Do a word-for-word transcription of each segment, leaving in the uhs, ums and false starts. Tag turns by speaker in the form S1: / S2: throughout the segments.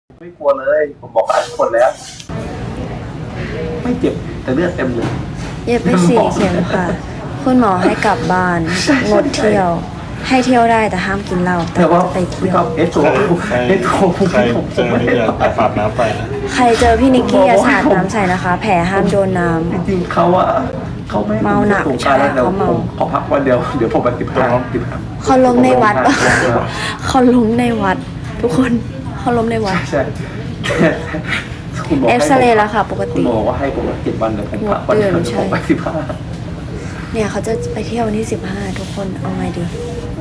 S1: ไม่กลัวเลยผมบอกหลายคนแล้ว ไม่เจ็บแต่เลือดเต็มเลย
S2: เย็บไปสี่เข็มค่ะคุณหมอให้กลับบ้านงดเที่ยว ให้เที่ยวได้แต่ห้ามกินเหล้าแต่ว่าจะไปเที่ยว
S1: เอสโซเอสโซ
S3: ใครเจอนี่อย่าสาดน้ำไปนะ
S2: ใครเจอพี่นิกกี้อย่าสาดน้ำใส่นะคะ แผลห้ามโดนน้ำ
S1: จริงๆเขาอะเขาไม่
S2: เมาหนักใช่เขาเมา
S1: ขอพักวันเดียวเดี๋ยวผมไปติดพักติดพัก
S2: เขาล้มในวัดปะเขาล้มในวัดทุกคนเขาล้มในวัด
S1: ใช่
S2: เอ็กซเรย์แล้วค่ะปกติ
S1: คุณบอกว่าให้ผมเจ็ดวันเดี๋ยวผมพักวันเดียวผมไปสิบห้า
S2: เนี่ยเขาจะไปเที่ยววันที่สิบห้าทุกคนเอาไงดี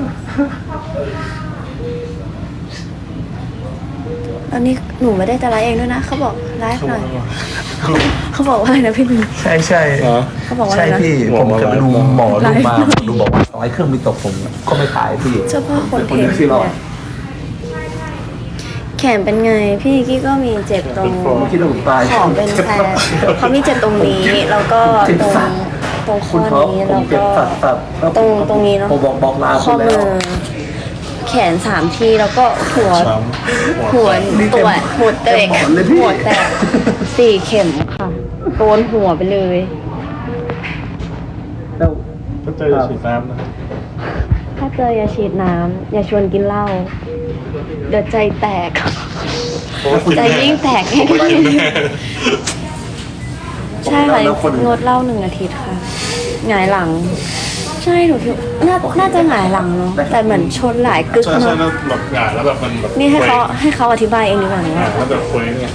S2: ตอนนี้หนูไม่ได้จะไลฟ์เองด้วยนะเขาบอกไลฟ์หน่อยเขาบอกว่าอะไรนะพี่ลุง
S1: ใช่ใช่
S2: เขาบอกว่าอะไรนะ
S1: พี่ผมจะไปดูหมอดูมาดูบอกว่าร้อยเครื่องมีตกผมก็ไม่ขายพี่
S2: เฉพาะคนเทนแขนเป็นไงพี่กี้ก็มีเจ็บตรงขอเป็นแผลเขามีเจ็บตรงนี้แล้วก็ตรงตรงข้อนี้แล้วก็ตรงตรงนี้เนาะข้อมือแขนสามทีแล้วก็หัวหัวตัวหัวแตกหัวแตกสี่เข็มค่ะโดนหัวไปเลย
S3: ถ้าเจออย่าฉีดน้ำนะ
S2: ถ้าเจออย่าฉีดน้ำอย่าชวนกินเหล้าเดี๋ยวใจแตกใจยิ่งแตกใช่ค่ะงดเหล้าหนึ่งอาทิตย์ค่ะหงายหลังใช่หนูคิดน่าน่าจะหงายหลังเนาะแต่เหมือนชนหลายกึก
S3: เนาะใช่แล้วแบบหงายแล้วแบบมันแบบ
S2: นี่ให้เขาให้เขาอธิบายเองดีกว่า
S3: ว่าแล้วแบบเคว้งเนี่ย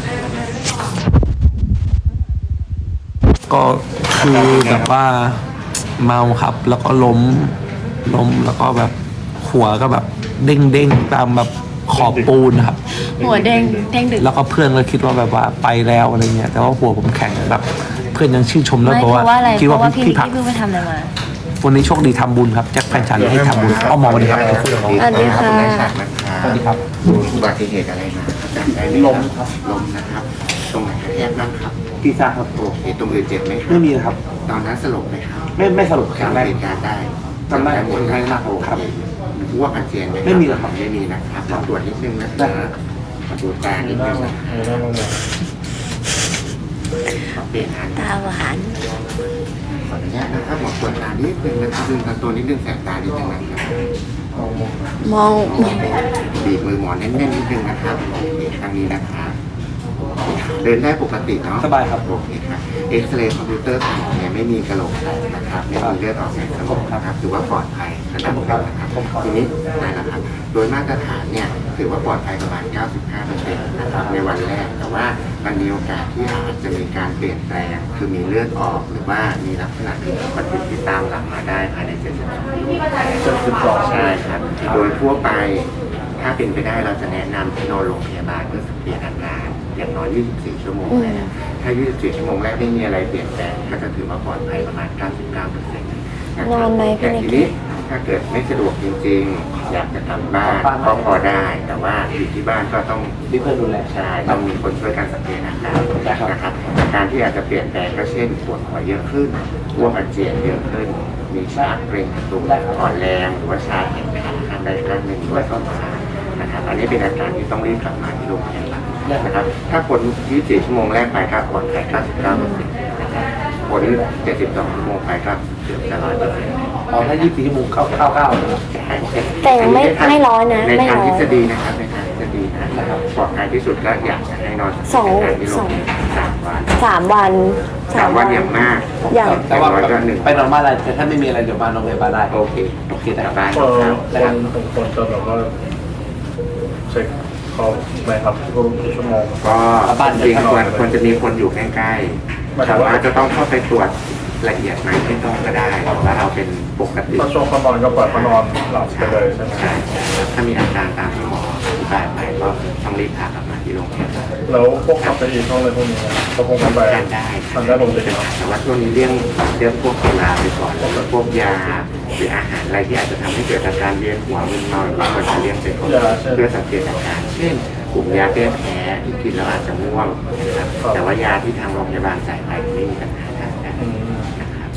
S1: ก็คือแบบว่าเมาครับแล้วก็ล้มล้มแล้วก็แบบหัวก็แบบเด้งเด้งตามแบบขอบปูนครับ
S2: หัวเด้งเด้งดึก
S1: แล้วก็เพื่อนก็คิดว่าแบบว่าไปแล้วอะไรเงี้ยแต่ว่าหัวผมแข็งแบบเพื่อนยังชื่นชมแล้วบอกว่า
S2: คิดว่าพี่พักเพิ่งไปทำอะไรมา
S1: วันนี้โชคดีทำบุญครับแจ็คแฟนฉันให้ทำบุญอ้อมมองดีครับ
S2: สวัสดีค่ะ
S1: สวัสดีครับ
S4: อุบัติเหตุอะไรมาจำได้ไหม
S1: ล้มครับ
S4: ล้มนะครับตรงไหนกระแทกบ้างครับ
S1: ที่ซ่าครับ
S4: โอเคตรงอื่นเจ็บไหม
S1: ไม่มีครับ
S4: ตอนนั้นสลบไหมครับ
S1: ไม่ไม่สลบแข็งแรง
S4: เหตุการณ์ได้
S1: จำได้หมดเลยนะครับครับ
S4: อ้วกอาเจียนไหม
S1: ไม่มีหรอกครับ
S4: ไม่มีนะครับขอตรวจนิดนึงนะครับขอตรวจตานิดนึงขอเปลี่ยนอัน
S2: ตาหวาน
S4: ขออนุญาตนะครับหมอตรวจตานิดนึงนะครับดึงตัวนิดนึงแสบตานิดนึงนะครับ
S2: มอง
S4: บีบมือหมอแน่นๆนิดนึงนะครับโอเคครั้งนี้นะครับเดินได้ปกติเนาะ
S1: สบายครับ
S4: โอเคครับเอ็กซเรย์คอมพิวเตอร์สมองเนี่ยไม่มีกระโหลกแตกนะครับไม่มีเลือดออกในสมองนะครับถือว่าปลอดภัยระดับหนึ่งนะครับทีนี้ได้แล้วครับโดยมาตรฐานเนี่ยถือว่าปลอดภัยประมาณ เก้าสิบห้าเปอร์เซ็นต์ นะครับในวันแรกแต่ว่ามันมีโอกาสที่อาจจะมีการเปลี่ยนแปลงคือมีเลือดออกหรือว่ามีลักษณะผิดปกติที่ตามหลังมาได้ภายในเจ็ดสิบสองชั่วโมงใช่ครับโดยทั่วไปถ้าเป็นไปได้เราจะแนะนำให้นอนโรงพยาบาลเพื่อสังเกตอาการอย่างน้อยยี่สิบสี่ชั่วโมงแรกถ้ายี่สิบสี่ชั่วโมงแรกไม่มีอะไรเปลี่ยนแปลงก็จะถือว่าปลอดภัยประมาณ เก้าสิบเก้าเปอร์เซ็นต์
S2: นอนไหมพี่นิก
S4: กี้ถ้าเกิดไม่สะดวกจริงๆอยากจะกลับบ้านก็พอได้แต่ว่าอยู่ที่บ้านก็ต้อง
S1: มีเพื่อนดูแล
S4: ใช่ต้องมีคนช่วยกันสังเกตอาการนะครับอาการที่อาจจะเปลี่ยนแปลงก็เช่นปวดหัวเยอะขึ้นอ้วกอาเจียนเยอะขึ้นมีชาเกร็งตัวอ่อนแรงหรือว่าชาแขนขาข้างใดข้างหนึ่งด้วยต้นขานะครับอันนี้เป็นอาการที่ต้องรีบกลับมาที่โรงพยาบาลนะครับถ้าผลยี่สิบสี่ชั่วโมงแรกไปก็ปลอดภัย เก้าสิบเก้าเปอร์เซ็นต์ นะครับผลเจ็ดสิบสองชั่วโมงไปก็เกือบจะ หนึ่งร้อยเปอร์เซ็นต์
S1: อ๋อถ้ายี่สิบสี่ชั่วโมงเข้าเข้าเข้า
S2: แต่ยังไม่ไม่ร้อยนะ
S4: ในทางทฤษฎีนะครับในทางทฤษฎีนะครับปลอดภัยที่สุดก็อยากจะให้นอน
S2: สองสอง
S4: สามวัน
S2: สามวัน
S4: สามวันอย่างมาก
S2: อย่าง
S1: แต่ว่าไปนอนบ้านอะไรแต่ถ้าไม่มีอะไรเดี๋ยวมาโรงพยาบาลได้
S4: โอเค
S1: โอเคแต่
S4: บ้าน
S3: ครับคนคนจะแบบว่าเช็คเขาไหมครับทุกชั่วโมง
S4: ก็บ้านจริงควรควรจะมีคนอยู่ใกล้ๆแต่ว่าจะต้องเข้าไปตรวจละเอียดไหมไม่ต้องก็ได้ว่าเอาเป็นปกติ
S3: ถ้าช่วงเขานอนก็ปล่อยเขานอนหลับไปเลยใช่ไหม
S4: ใช่ถ้ามีอาการตามที่หมออธิบายไปก็ต้องรีบพากลับมาที่โรงพยาบาล
S3: แล้วพวกขับไปอีกช่องอะไรพวกนี้ก็คงทำไป
S4: ได้
S3: ทำได้ลงเลย
S4: แต่ว่าช่วงนี้เรื่องเรื่องพวกสุราไปก่อนแล้วก็พวกยาหรืออาหารอะไรที่อาจจะทำให้เกิดอาการเวียนหัวมึนเมาก็ควรจะเลี่ยงไปก่อนเพื่อสังเกตอาการเช่นกลุ่มยาแก้แพ้ที่กินแล้วอาจจะง่วงนะครับแต่ว่ายาที่ทางโรงพยาบาลจ่ายไปไม่มีปัญหาทางการนะครับ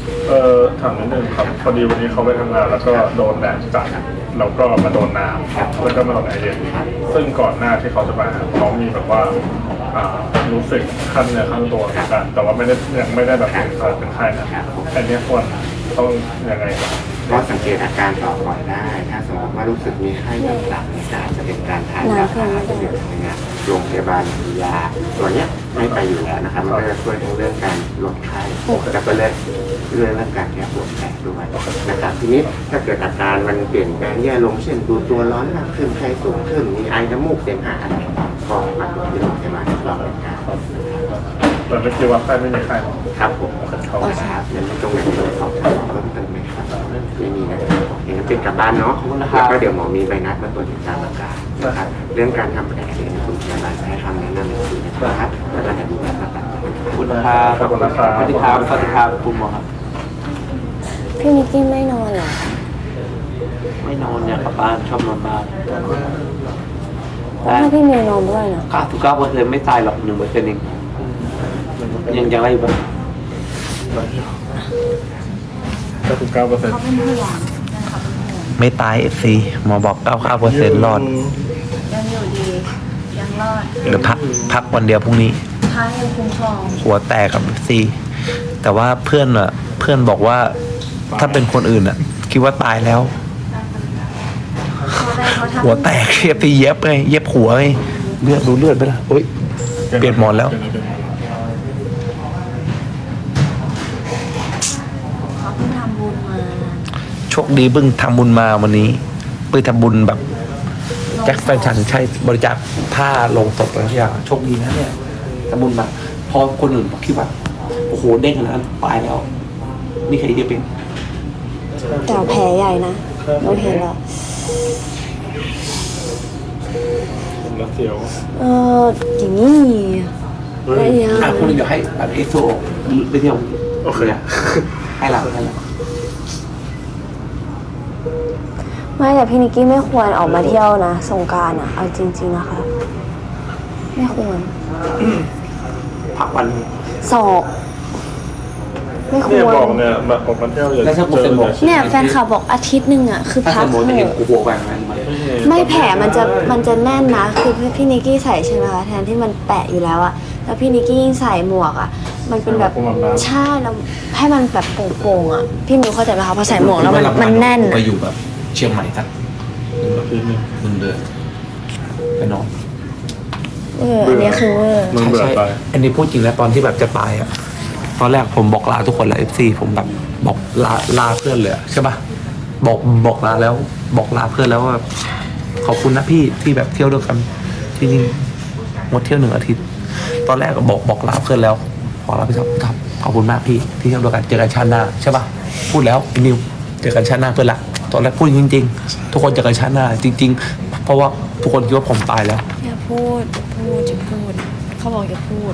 S3: เออถามนิดนึงครับพอดีวันนี้เขาไปทำงานแล้วก็โดนแดดจัดแล้วก็มาโดนน้ำแล้วก็มาโดนแอร์เย็นซึ่งก่อนหน้าที่เขาจะมาเขามีแบบว่าอ่ารู้สึกขั้นเนื้อขั้นตัวเหมือนกันแต่ว่าไม่ได้ยังไม่ได้แบบเป็นไข้เป็นไข้นะอันนี้ควรต้องยังไงครับ
S4: ก็สังเกตอาการต่อก่อนได้ ถ้าสมมติว่ารู้สึกมีไข้ต่ำๆเนี่ยอาจจะเป็นการทานยาพาราที่เดียวกันเนี่ยโรงพยาบาลมียาตัวเนี้ยไม่ไปอยู่แล้วนะครับมันก็จะช่วยทั้งเรื่องการลดไข้แล้วก็เรื่องเรื่องการแก้ปวดแผลด้วยนะครับทีนี้ถ้าเกิดอาการมันเปลี่ยนแปลงแย่ลงเช่นดูตัวร้อนมากขึ้นไข้สูงขึ้นมีไอน้ำมูกเสมหะอะไรก็มาตรวจที่โรงพยาบาลรอบเป็นการ
S3: แต่ไม่คิดว่าไข้ไม่มีไข้
S4: ครับผมเขาครับยังไม่ตรงไหนเลยสอบถามเพิ่มเติมไหมครับไม่มีนะครับโอเคงั้นเป็นกลับบ้านเนาะแล้วก็เดี๋ยวหมอมีใบนัดมาตรวจติดตามอาการนะครับเรื่องการทำแผลเนี่ยคุณพยาบาลจะให้คำแนะนำในทีนะครับแล้วก็จะดูแลรักษา
S1: ขอบคุณครับ
S3: ขอบคุณนะครับ
S1: สวัสดีครับสวัสดีครับคุณหมอครับ
S2: พี่นิกกี้ไม่นอนเหรอ
S1: ไม่นอนเนี่ยกลับบ้านชอบนอนบ้าน
S2: ถ้าพี่เมย์นอนด้วยนะ
S1: เก้าสิบเก้าเปอร์เซ็นต์ไม่ตายหรอกหนึ่งเปอร์เซ็นต์เองยังยังอะไรอยู่บ้าง
S3: เก้าสิบเก้าเปอร์เซ็นต์
S2: เขาเป็นห่วงนะคะเป็นห่วง
S1: ไม่ตายเอฟซีหมอบอกเก้าเก้าเปอร์เซ็นต์รอด
S2: ยังอยู่ดี ยังรอด
S1: เดี๋ยวพักพักวันเดียวพรุ่งนี้
S2: ท้ายยังคุ้มครอง
S1: หัวแตกกับเอฟซีแต่ว่าเพื่อนอะเพื่อนบอกว่าถ้าเป็นคนอื่นอะคิดว่าตายแล้ว
S2: เขาได้เขาทำ
S1: หัวแตกเอฟซีเย็บไงเย็บหัวไงเลือดดูเลือดไปละโอ๊ยเปลี่ยนหมอนแล้ว
S2: เขาเพิ่งทำบุญมา
S1: โชคดีเพิ่งทำบุญมาวันนี้เพิ่งทำบุญแบบแจ็คแฟนฉันใช้บริจาคผ้าลงศพอะไรทุกอย่างโชคดีนะเนี่ยทำบุญมาพอคนอื่นคิดว่าโอ้โหเด้งขนาดนั้นตายแล้วนี่ใครจะเป็น
S2: แต่แผลใหญ่นะเราเห็นแล้ว
S3: แล้วเสียว
S2: เอออย่างนี้อะไรอย่าง
S1: อ่ะคุณเดี๋ยวให้แบบเอสโซไปเที่ยว
S3: โอเค
S1: ให้เราให้เรา
S2: ไม่แต่พี่นิกกี้ไม่ควรออกมาเที่ยวนะสงกรานต์อ่ะเอาจริงๆนะคะ ไม่ควร
S1: พักวัน
S2: สอบไม่ค
S3: เนี่ยว
S2: ร
S3: บอกเนี่ยแบบออกมาเที่ยวอย่า
S1: แล้วถ้าผมเป็นบอก
S2: เนี่ยแฟนคลับบอกอาทิตย์หนึ่งอ่ะคือ
S1: ถ้า
S2: พั
S1: ส
S2: ก
S1: มมติ
S2: เถ
S1: เห็น
S2: อะ
S1: กูหัวแหว่งอะไรมา
S2: ไม่แผลมันจะมันจะแน่นนะคือพี่นิกกี้ใส่ใช่ไหมคะแทนที่มันแปะอยู่แล้วอะแล้วพี่นิกกี้ยิ่งใส่หมวกอะมันเป็นแบบใช่แล้วให้มันแบบโป่งๆอะพี่มิวเข้าใจไหมคะพอใส่หมวกแล้วมันมันแน่น
S1: ไป
S2: อะ
S1: อยู่แบบเชียงใหม่สัก
S3: อาทิตย์หนึง
S1: หนึ่งเดือนไปนอน
S2: เอออันนี้คือเวอร์
S3: มึงเบื่อไป
S1: อันนี้พูดจริงแล้วตอนที่แบบจะตายอ่ะ ตอนแรกผมบอกลาทุกคนแล้วเอฟซีผมแบบบอกลาลาเพื่อนเลยอะใช่ปะบอกบอกลาแล้ว บอกลาเพื่อนแล้วว่าขอบคุณนะพี่ที่แบบเที่ยวด้วยกันจริงๆหมดเที่ยวหนึ่งอาทิตย์ ตอนแรกก็บอกบอกลาเพื่อนแล้วบอกลาพี่ท็อปท็อปขอบคุณมากพี่ที่เที่ยวด้วยกันเจอกันชาติหน้าใช่ปะพูดแล้วไอ้นิวเจอกันชาติหน้าเพื่อนละตอนแรกพูดจริง ๆ ทุกคนเจอกันชาติหน้า จริง ๆ เพราะว่าทุกคนคิดว่าผมตายแล้ว
S2: อย่าพูดอย่าพูดจะพูดเขาบอกอย่าพูด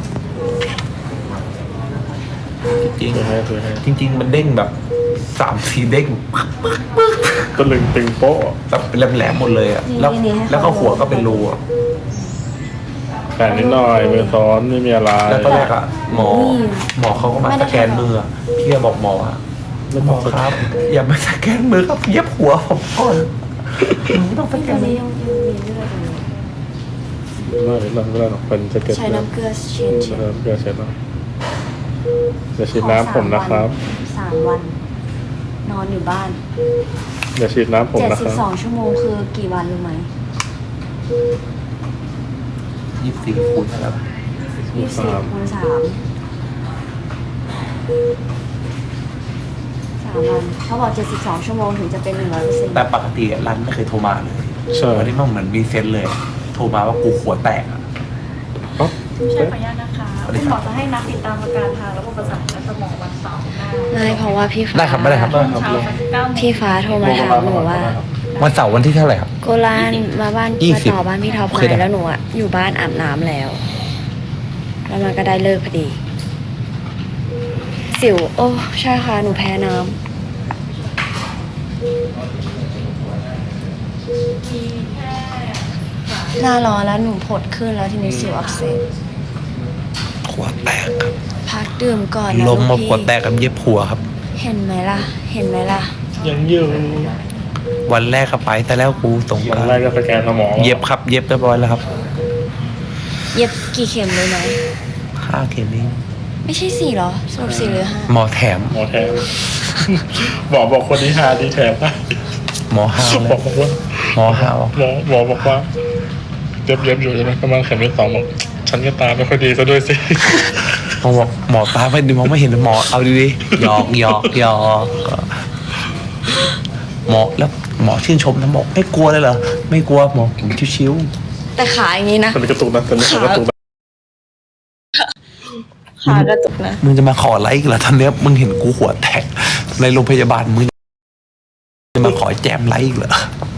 S1: จริง
S3: คือให้คือให้
S1: จริง ๆ มันเด้งแบบสามสี่เด้ง
S3: ตะลึงตึงโป๊ะ
S1: แบบเป็นแหลมๆหมดเลยอ่ะแล้ว
S2: นี่ๆให้เขา
S1: แล้วก็หัวก็เป็นรูอะ
S3: แต่นิดหน่อยมือซ้อนไม่มีอะไร
S1: แล้วตอนแรกอ่ะหมอหมอเขาก็มาสแกนมืออะพี่ก็บอกหมออะหมอครับ อย่ามาสแกนมือครับเย็บหัวผมก่อนไม่ต้องสแก
S2: ตอน น
S1: มื
S2: นี้
S1: อ
S2: ยังยังมีเลือดอยู่
S3: ไม่ไม่ไม่ได้หรอกเป็นสะเก็ด
S2: ใช้น้ำเกลือเช็ดเช็ด
S3: น้ำเกลือเช็ดเนาะเดี๋ยวฉีดน้ำผมนะครับ
S2: สามวัน นอนอยู่บ้าน
S3: เดี๋ยวฉีดน้ำผม
S2: เจ็ด
S3: นะ
S2: สิ
S3: ค
S2: บ
S3: รับ
S2: สองชั่วโมงคือกี่วันรู้ไหม
S1: ยี่สิบสี่คูณแล้ว
S2: ยี่สิบสี่คูณสามสามวันเขาบอกเจ็ดสิบสองชั่วโมงถึงจะเป็นหนึ่งร้อยเปอร์เซ็นต์
S1: แต่ปกติรันไม่เคยโทรมาเลย
S3: ใช่
S1: วันนี้มันเหมือนมีเซนส์เลย โทรมาว่ากูหัวแตกอะ
S3: อ๋อ
S5: ใช่ขออนุญาตนะคะ
S1: สวัสดี
S5: คุณ
S1: ค
S5: หม
S1: รั
S5: อบ จะให้นัดติดตามอาการทางระบบประสาทและสมองวันเสาร์หน้า
S2: ไม่เพราะว่าพี่ฟ้า
S1: ได้ครับไม่ได้ครับ
S5: ช่วงเช้าสักเก้าโมง
S2: พี่ฟ้าโทรมาถามหนูว่า
S1: วันเสาร์วันที่เท่าไหร่ครับ
S2: โกลานมาบ้าน
S1: ยี่
S2: มา
S1: สิบ
S2: ต่อบ้านพี่ท็อป
S1: เคย
S2: ไห
S1: ได้
S2: มแล้วหนูอะอยู่บ้านอาบน้ำแล้ว แล้วมันก็ได้เลิกพอดี สิว โอ้ใช่ค่ะหนูแพ้น้ำหน้าร้อนแล้วหนูผดขึ้นแล้วทีนี้สิวอักเสบ
S1: หัวแตกครับ
S2: พักดื่มก่อนนะ
S1: ล้มมา
S2: ลูก
S1: หัว
S2: พี่
S1: แตกกับเย็บหัวครับ
S2: เห็นไหมล่ะ เห็นไหมล่ะ
S3: ยังอยู่
S1: วันแรกก็ไปแต่แล้วกูส่ง
S3: วันแรกก็สแกนสมอง
S1: เย็บครับ เย็บเรียบร้อยแล้วครับ
S2: เย็บกี่เข็มเลยไหม
S1: ห้าเข็มเอง
S2: ไม่ใช่สี่เหรอสรุปสี่หรือห้า
S1: หมอแถม
S3: หมอแถมหมอบอกคนนี้หาดีแถมได้
S1: หมอห้าว
S3: หม
S1: แล้
S3: อ
S1: ว
S3: บอกว่า
S1: หมอห้าว
S3: หมอหมอบอกว่าเย็บเย็บอยู่ใช่ไหมประมาณเข็มที่สองบอกฉันก็ตาไม่ค่อยดีซะด้วยสิ
S1: หมอบอกหมอตาไม่ดีมองไม่เห็นหมอเอาดีๆหยอกหยอกหยอกหมอแล้วหมอชื่นชมนะบอกไม่กลัวเลยเหรอไม่กลัวหมอผมชิว
S2: แต่ขาอย่างนี้นะ
S3: ตอนนี้กระตุกนะตอนนี้กระตุกนะ
S2: ขากระตุกนะ
S1: ๆมึงจะมาขอไลค์อีกเหรอตอนเนี้ยมึงเห็นกูหัวแตกในโรงพยาบาลมึงจะมาขอแจมไลค์อีกเหรอ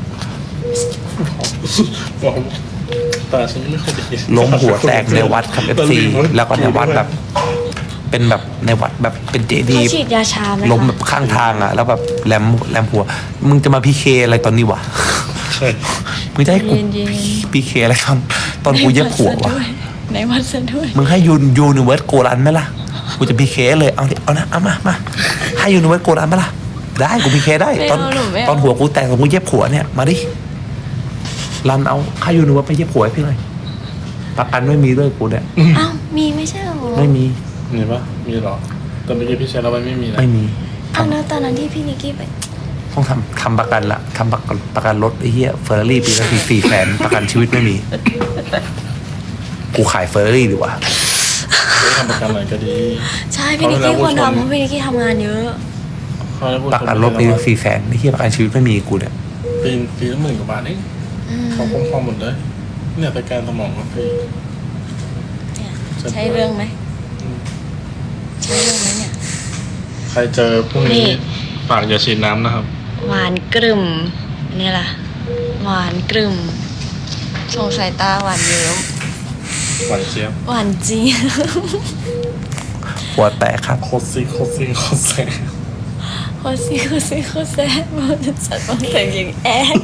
S3: บอกตาฉันไม่ค่อยดี
S1: ล้มหัวแตกในวัดครับเอฟซีแล้วก็ในวัดแบบ เป็นแบบในวัดแบบเป็นเจดี
S2: เขา
S1: ย์
S2: ฉีดยาชาไหมคะ
S1: ล้มแบบข้างทางอ่ะ แล้วแบบแหลมแหลมหัว มึงจะมาพีเคอะไรตอนนี้วะ
S3: ใช่
S1: มึงจะให้กู
S2: เย็นเย็น
S1: พีเคอะไรตอนตอนกูเย็บหัววะ
S2: ในวัดซะด้วย
S1: มึงให้ยูนยูนิเวิร์สโกรันไหมล่ะ กูจะพีเคเลย เอาดิเอานะ เอามา มา ให้ยูนิเวิร์สโกรันไหมล่ะ ได้ กูพีเคได้ ตอนตอนหัวกูแตกกับกูเย็บหัวเนี่ย มาดิ รันเอาค่ายูนิเวิร์สไปเย็บหัวให้พี่หน่อย ประกันไม่มีด้วยกูเนี่ย
S2: อ้าวมีไม่ใช่เหรอ
S1: ไม่มี
S3: มีปะมีหรอแต่เมื่อกี้พี่เชนเราไปไม่มีนะ
S1: ไม่มี
S2: อ้าวแล้วตอนนั้นที่พี่นิกกี้ไป
S1: ต้องทำทำประกันละทำประกันประกันรถไอ้เหี้ยเฟอร์รารี่ปีละสี่สี่แสนประกันชีวิตไม่มี กูขายเฟอร์รารี่ดีกว่า
S3: ไม่ทำประกันอะไรก็ดี
S2: ใช่พี่นิกกี้ควรทำเพราะพี่นิกกี้ทำงานเยอะ
S3: เขาได้พูด
S1: ประกันรถปีละสี่แสนไอ้เหี้ยประกันชีวิตไม่มีกูเนี่ย
S3: ปีปีละหมื่นกว่าบาทเอง
S2: อืม
S3: เขาคุ้มครองหมดเลยเนี่ยสแกนสมองก็ฟรี
S2: เนี่ยใช่เรื่องไหมใช่เรื่องไหมเนี่ย
S3: ใครเจอพรุ่ง
S2: นี่
S3: นี้ฝากอย่าฉีดน้ำนะครับ
S2: หวานกรึ่มนี่ล่ะ หวานกรึ่มสงสายตาหวานเยิ้ม
S3: หวานเจี๊ยบ
S2: หวานจีด
S1: หัวแตกครับ
S3: โคตรซีโคตรซีโคตรแซ่บ
S2: โคซี่โคซี่โคแซ่บมันสัตว์บางแต่งอย่างแอก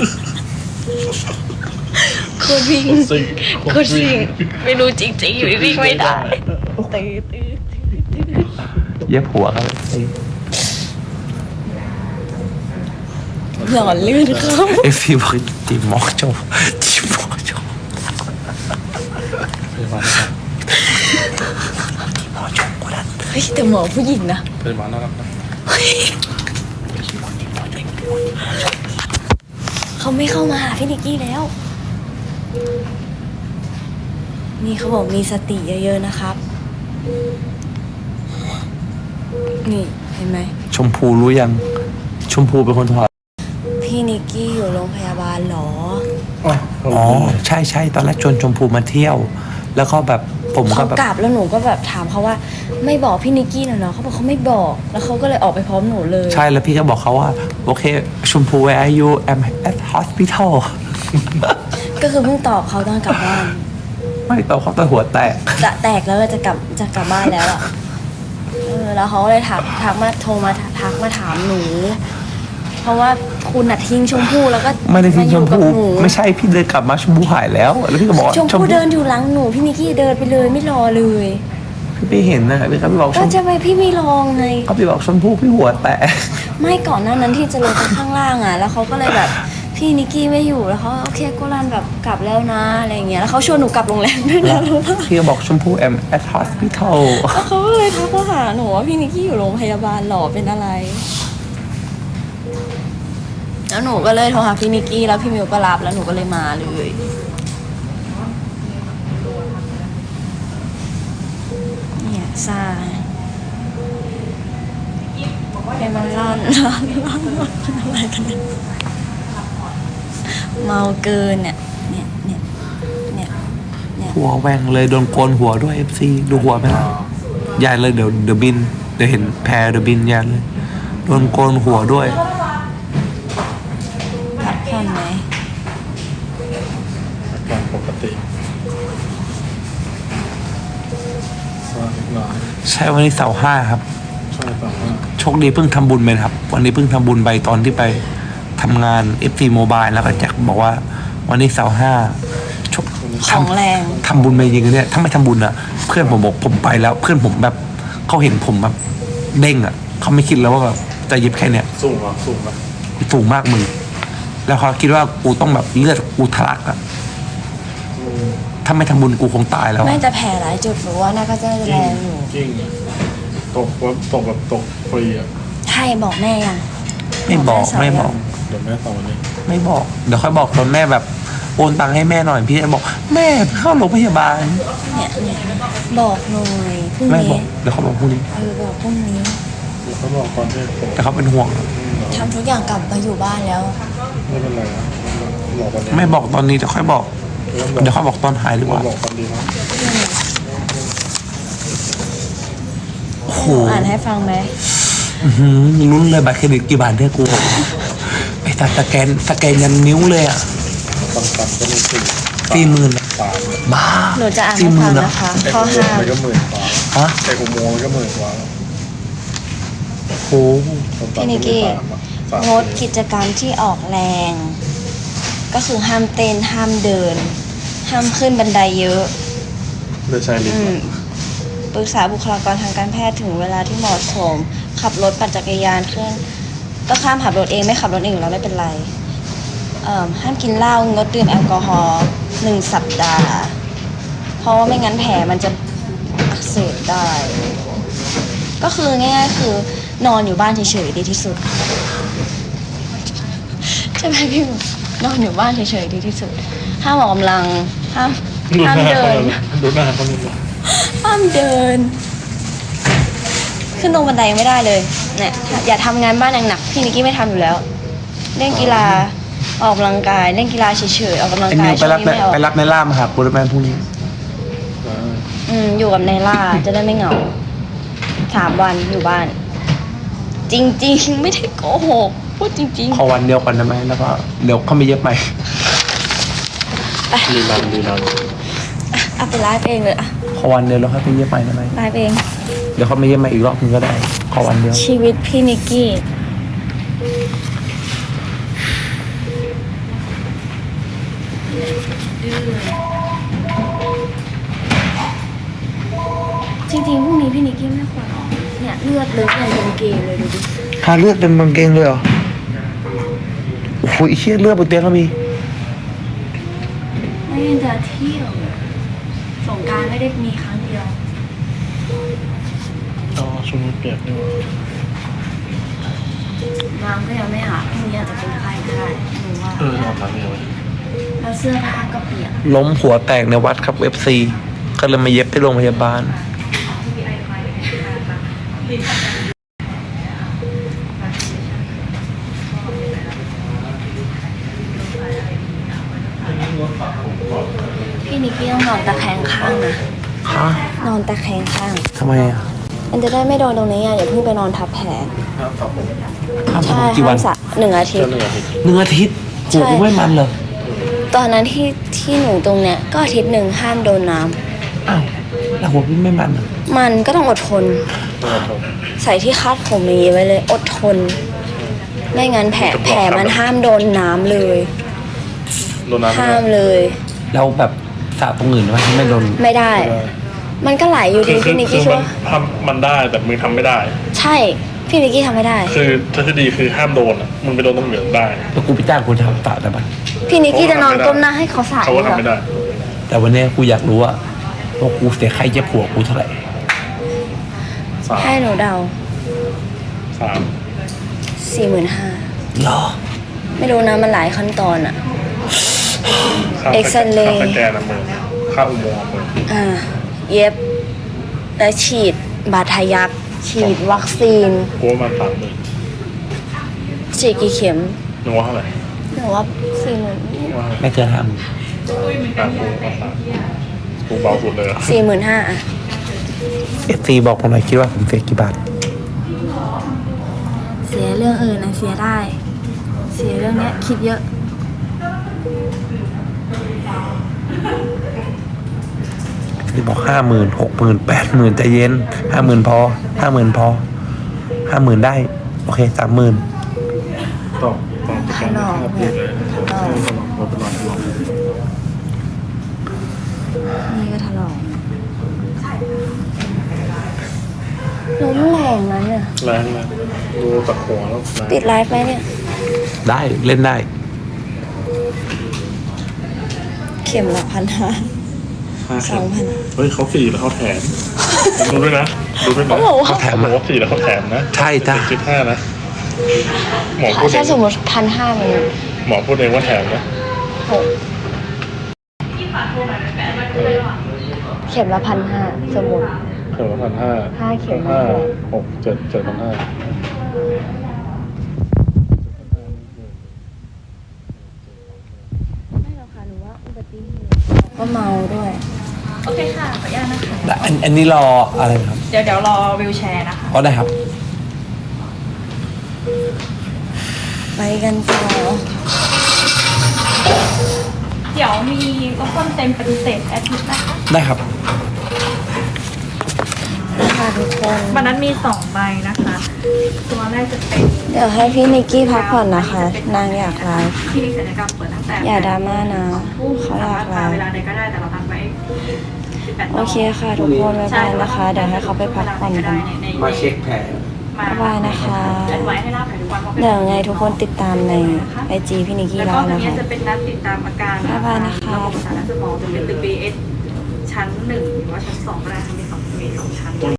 S2: โคตรวิ่ง
S3: โคตรซี
S2: โคตรวิ่งไม่รู้จริงๆอยู่วิ่งไม่ได้ตื้อตื้อ
S1: เย็บหัวครับไอ้
S2: หล่อลื่นเขา
S1: เอฟซีบอกจีหมอโจจีหมอโจ
S3: พยาบาลนะครับ
S1: หมอโจกูดัน
S2: เฮ้ยแต่หมอผู้หญิงนะ
S3: พยาบาลนะครับนะ
S2: เขาไม่เข้ามาหาพี่นิกกี้แล้ว นี่เขาบอกมีสติเยอะๆนะครับ นี่เห็นไหม
S1: ชมพูรู้ยัง ชมพูเป็นคนถอด
S2: พี่นิกกี้อยู่โรงพยาบาลเหรอ
S1: อ๋อ ใช่ใช่ตอนแรกชวนชมพูมาเที่ยว แล้วก็แบบผมก็
S2: เขา
S1: แบบ
S2: กลับแล้วหนูก็แบบถามเขาว่า ไม่บอกพี่นิกกี้หน่อยเนาะเขาบอกเขาไม่บอก แล้วเขาก็เลยออกไปพร้อมหนูเลย
S1: ใช่แล้วพี่ก็บอกเขาว่า โอเค ชมพู where are you I'm at hospital
S2: ก็คือเพิ่งตอบเขาตอนกลับบ้าน
S1: ไม่ตอบเขาตอนหัวแตก
S2: จะแตกแล้วจะกลับจะกลับบ้านแล้วอ่ะเออแล้วเขาก็เลยถามทักมาโทรมาทักมาถามหนู เพราะว่าคุณน่ะทิ้งชมพู่แล้วก็
S1: ไม่ได้ทิ้งชมพู
S2: าอยู่กับหนู
S1: ไม่ใช่พี่เดินกลับมาชมพูหายแล้ว แล้วพี่ก็บอกว่า
S2: ชมพู่เดินอยู่หลังหนูพี่นิกกี้เดินไปเลยไม่รอเลย
S1: พี่ไม่เห็นนะพี่ก็พี่บอกช
S2: ก็
S1: ม
S2: จะไปพี่ไม่ลองไง
S1: ก็พี่บอกชมพูพี่หัวแตก
S2: ไม่ก่อนหน้านั้นที่จะลงไปข้างล่างอ่ะ แล้วเขาก็เลยแบบพี่นิกกี้ไม่อยู่แล้วเขาโอเคกูรันแบบกลับแล้วนะอะไรอย่างเงี้ยแล้วเขาชวนหนูกลับโรงแรมด้วยนะ
S1: พี่ก็บอกชมพู I'm at hospital
S2: แล้วเขาก็เลยทักมาหาหนูว่าพี่นิกกี้อยู่โรงพยาบาลหรอเป็นอะไร แล้วหนูก็เลยโทรหาพี่นิกกี้แล้วพี่มิวก็รับแล้วหนูก็เลยมาเลยเนี่ยซ่าเป็นมันร้อนร้อนร้อนร้อนอะไรกันเนี่ยเมาเกินเนี่ยเนี่ยเนี่ยเนี่ยเนี่ย
S1: หัวแหว่งเลยโดนโกนหัวด้วย เอฟ ซี ดูหัวไหมล่ะยายเลยเดี๋ยวเดี๋ยวบินเดี๋ยวเห็นแพรเดี๋ยวบินยายเลยโดนโกนหัวด้วย
S2: พักผ่อนไหม
S3: อาการปกติสวัสดีหน่อย
S1: ใช่วันนี้เสาร์ห้าครับ
S3: ช่วยต่อว่า
S1: โชคดีเพิ่งทำบุญไปนะครับ วันนี้เพิ่งทำบุญไปตอนที่ไปทำงาน เอฟ ซี Mobile แล้วก็แจ็คบอกว่า วันนี้เสาร์ห้าโชค
S2: ของแรง
S1: ทำบุญไปจริงๆเนี่ยถ้าไม่ทำบุญอ่ะ เพื่อนผมบอกผมไปแล้ว เพื่อนผมแบบเขาเห็นผมแบบเด้งอ่ะเขาไม่คิดแล้วว่าแบบจะเย็บแค่เนี้ย
S3: สูงเหรอสูงไหม
S1: สูงมากมึงแล้วเขาคิดว่ากูต้องแบบเลือดกูทะลักอะถ้าไม่ทำบุญกูคงตายแล้ว
S2: ไม่
S1: อะ
S2: จะแผลหลายจุดหรือว่าน่าก็จะแรงอยู่
S3: จริงตกว่าตกแบบตกฟรีอ่ะ
S2: ใช่บอกแม่ยัง
S1: ไม่บอกไม่บอก
S3: เดี๋ยวแม่ต่อวันนี้
S1: ไม่บอก เดี๋ยวค่อยบอกตอนแม่แบบโอนตังค์ให้แม่หน่อยพี่จะบอก แม่เข้าโรงพยาบาล
S2: เนี่ยเนี่ยบอกหน่อยพรุ่ง
S1: แม่บอ
S2: นี้
S1: กเดี๋ยวเขาบอกพรุ่งนี้
S2: เออบอกพรุ่งนี้
S3: เดี๋ยวเขาบอกตอนที่ผม
S1: แต่เขาเป็นห่วง
S2: ทำทุกอย่างกลับมาอยู่บ้านแล้ว
S3: ไม่เป็นไรนะบอกวันนี้
S1: ไม่บอกตอนนี้เดี๋ยวค่อยบอก เดี๋ยวค่อยบอกตอนหายดีกว่า
S3: บอกตอนดีนะ
S1: โอ้โห
S2: อ่านให้ฟังไหม
S1: อื้อหือลุ้นเลยบัตรเครดิตกี่บาทเนี่ยกูไอ้สัตว์สแกนสแกนยันนิ้วเลยอ่ะ
S3: ต่ำๆก็มีสี่
S1: สี่หมื่นอะ
S3: สาม
S1: บ้า
S2: หนูจะอ่าน
S1: สี่
S2: ให้
S1: ห
S2: ฟั
S1: มื่
S2: ง
S1: นอะ
S2: นะคะ
S3: ไอ้
S2: ข้อ
S3: อุโม
S2: ห้าง
S3: ค์มันก็หมื่นกว่า
S1: ฮะ
S3: ไอ้อุโมงค์มันก็หมื่นกว่า
S1: โอ้โห
S2: พี่นิกกี้งดกิจกรรมที่ออกแรง ก็คือห้ามเต้นห้ามเดิน ห้ามขึ้นบันไดเยอะ
S3: เลือดชายลิฟ
S2: อื
S3: ต์
S2: มปรึกษาบุคลากรทางการแพทย์ถึงเวลาที่เหมาะสม ขับรถปั่นจักรยานขึ้น ก็ข้ามขับรถเองไม่ขับรถเองอยู่แล้วไม่เป็นไรเอ่อห้ามกินเหล้างดดื่มแอลกอฮอล์หนึ่งสัปดาห์ เพราะว่าไม่งั้นแผลมันจะอักเสบได้ ก็คือง่ายๆคือนอนอยู่บ้านเฉยๆดีที่สุด ใช่ไหมพี่หมูนอนอยู่บ้านเฉยๆดีที่สุด ห้ามออกกำลังห้ามห้ามเดิน
S3: ดูหน้าเขาเลย
S2: ห้ามเดิน ขึ้นตรงบันไดยังไม่ได้เลยเนี่ยอย่าทำงานบ้านหนักๆพี่นิกกี้ไม่ทำอยู่แล้ว เล่นกีฬาออกกำลังกาย เล่นกีฬาเฉยๆออกกำลัง
S1: ไอ้
S2: กา
S1: นิ
S2: ยว
S1: ไปรับ
S2: ช่วงนี้ไม่ออก
S1: ไปรับในล่ามาหาปูรแมนพรุ่งนี้
S2: อืมอยู่กับนายล่าจะได้ไม่เหงาสามวันอยู่บ้าน จริงๆ ไม่ได้โกหกพูดจริง
S1: ขอวันเดียวก่อนได้ไหมแล้วก็เดี๋ยวเขาไม่เย็บใหม่
S3: รีรันรีรัน
S2: ๆเอาไปไลฟ์เองเลยอะ
S1: ขอวันเดียวแล้วค่อยไปเย็บใหม่ได้ไหม
S2: ไลฟ์เอง
S1: เดี๋ยวเขาไม่เย็บใหม่อีกรอบนึงก็ได้ ขอวันเดียว
S2: ชีวิตพี่นิกกี้จริงๆพรุ่งนี้พี่นิกกี้ไม่ควรออกเนี่ยเลือดเลยยังเป็นเกย์เลยดูดิ
S1: ทาเลือดเป็นบางเกงเลยเหรอ โอ้โหไอ้เชี่ยเลือดบนเตียงก็มี
S2: ไม่งั้นจะเที่ยวสงกรารไม่ได้มีครั้งเดียว
S3: อ๋อช่วงนี้เปียกด้วย
S2: น้ำก็ยังไม่อาบพรุ่งนี้อาจจะเป็นไข้ก็ได้หนูว่า
S3: เออนอนหลับเลย
S2: แล้วเสื้อผ้าก็เปียก
S1: ล้มหัวแตกในวัดครับเอฟซีก็เลยมาเย็บที่โรงพยาบาล
S2: พี่นิกกี้ต้องนอนตะแคงข้างนะ
S1: ฮะ
S2: นอนตะแคงข้าง
S1: ทำไมอ่ะ
S2: มันจะได้ไม่โดนตรงนี้อ่ะอย่าเพิ่งไปนอนทับแผล
S3: ครับผม
S1: ห้าม
S2: ใช่
S1: ทำกี่วั
S2: ห้าน มสระหนึ่งอาทิต
S3: เจ้า
S2: ย์
S3: เหนือพี่
S1: หนึ่งอาทิตย์
S2: ใช่
S1: โหไม่มันเลย
S2: ตอนนั้นที่ที่หนูตรงเนี้ยก็อาทิตย์หนึ่งห้ามโดนน้ำ
S1: อ้าวแล้วหัวพี่ไม่มันเหรอ
S2: มันก็ต้องอดทน ใส่ที่คาดผมอย่างนี้ไว้เลย อดทน ไม่งั้นแผลแผลมันห้ามโดนน้ำเลย
S3: โดนน้ำ
S2: ห้ามเลย
S1: แล้วแบบสระตรงอื่นไหมที่ไม่โดน
S2: ไม่ได้ มันก็ไหลอยู่ดีพี่นิกกี้ชัว
S3: ทำมันได้แต่มึงทำไม่ได้
S2: ใช่พี่นิกกี้ทำไม่ได้
S3: คือทฤษฎีคือห้ามโดนอ่ะมึงไปโดนตรงเหนือได้
S1: แล้วกูไปจ้างกูทำสระได้ปะ
S2: พี่นิกกี้จะนอนก้มหน้าให้เขาสาด
S3: เขาก็ทำไม่ได้
S1: แต่วันนี้กูอยากรู้ว่าว่ากูเสียค่าเย็บหัวกูเท่าไหร่
S3: สาม
S2: ให้หนูเดา
S3: สาม
S2: สี่หมื่นห้า
S1: เหรอ
S2: ไม่รู้นะมันหลายขั้นตอนอะ
S3: ค่า
S2: เอ็กซเรย์
S3: ค่าสแกนนะมึงค่าอุโมงค์มึง
S2: อ่า เย็บ และฉีด บาดทะยัก ฉีดวัคซีน
S3: กูว่ามันสามหมื่น
S2: ฉีดกี่เข็ม
S3: มึงว่าเท่าไหร่
S2: หนูว่าสี่หมื่น
S3: มึงว่าเท่าไหร่
S1: ไม่เกินห้าหมื่น
S3: อ่ะกูว่าสามกูเบาสุดเลยอะ
S2: สี่หมื่นห้าอะ
S1: เอฟซีบอกผมหน่อยคิดว่าผมเสียกี่บาท
S2: เสียเรื่องอื่นนะเสียได้ เสียเรื่องเนี้ยคิดเยอะ
S1: ที่บอกห้าหมื่นหกหมื่นแปดหมื่นใจเย็นห้าหมื่นพอห้าหมื่นพอห้าหมื่นได้ โอเคสามหมื่น
S3: ตอบตอบประกันห้าพูดเลยใช่ตลอดตลอดตลอด
S2: นี่ก็ถลอกล้มแรงนั้นเนี่ย
S3: แรงนะดูจากหัวแล้วแรง
S2: ติดไลฟ์ไหมเนี่ย
S1: ได้เล่นได้
S2: เข็มละพันห้า
S3: ห้า
S2: สองพัน
S3: เฮ้ยเขาสี่แล้วเขาแถมดูด้วยนะดูด้วยนะ
S2: เขาบอกว่า
S1: เขาแถม
S3: หม
S1: มา
S3: อสี่แล้วเขาแถมนะ
S1: ใช่จ้ะ
S3: จุดห้านะหมอพูดเอ
S2: ถ้าง สมมติพันห้ามัน
S3: หมอพูดเองว่าแถมนะ
S2: หกเข็มละพันห้าสมมติ
S3: เข็มละพันห้า
S2: ห้าเข็ม
S3: ห้าหกเจ็ดเจ็ดพันห้า
S2: ไม่หรอกค่ะหรือว่าอุบัติเหตุก็เมาด้วย
S5: โอเคค่ะ ขออนุญาตนะคะ
S1: และอันอันนี้รออะไรนะครับ
S5: เดี๋ยวเดี๋ยวรอวิวแชร์นะคะ
S1: ก็ได้ครับ
S2: ไปกันต่อ
S5: เดี๋ยวมีก็ต้นเต็มปฏิเสธแอดมิดนะคะ
S1: ได้ครับ
S2: ค่ะทุกคน
S5: วันนั้นมีสองใบนะคะ ตัวแรกจะเป็น
S2: เดี๋ยวให้พี่นิกกี้พักผ่อนนะคะ นางอยากไลฟ์
S5: คลินิกศัลยกรรมเปิดตั้งแต่
S2: อย่าดราม่านะเขาอยาก
S5: สามารถ
S2: ไล
S5: มาเว
S2: ฟ์
S5: ลาใดก็ได้แต่เราตั้งไว้สิบแปด
S2: โอเคค่ะทุกคนบ๊ายบายนะคะ เดี๋ยวให้เขาไปพักผ่อนกัน
S1: มาเช็คแผล
S2: บ๊ายบายนะคะ
S5: แอดไว้ให้หน้าแผลทุกวันพราะป็น
S2: เดี๋ยวยังไงทุกคนติดตามในไอจีพี่นิกกี้
S5: แล้ว
S2: ไล
S5: ก็
S2: ฟ์
S5: ตรง
S2: นะ
S5: นี้
S2: คะ
S5: จะเป็นนัดติดตามอาการ
S2: บ๊ายบายนะคะ
S5: ระบบสารสมองจะเป็นตึก บี เอส ชั้นหนึ่งหรือว่าชั้นสองก็ได้ค่ะมีสองมีสองชั้น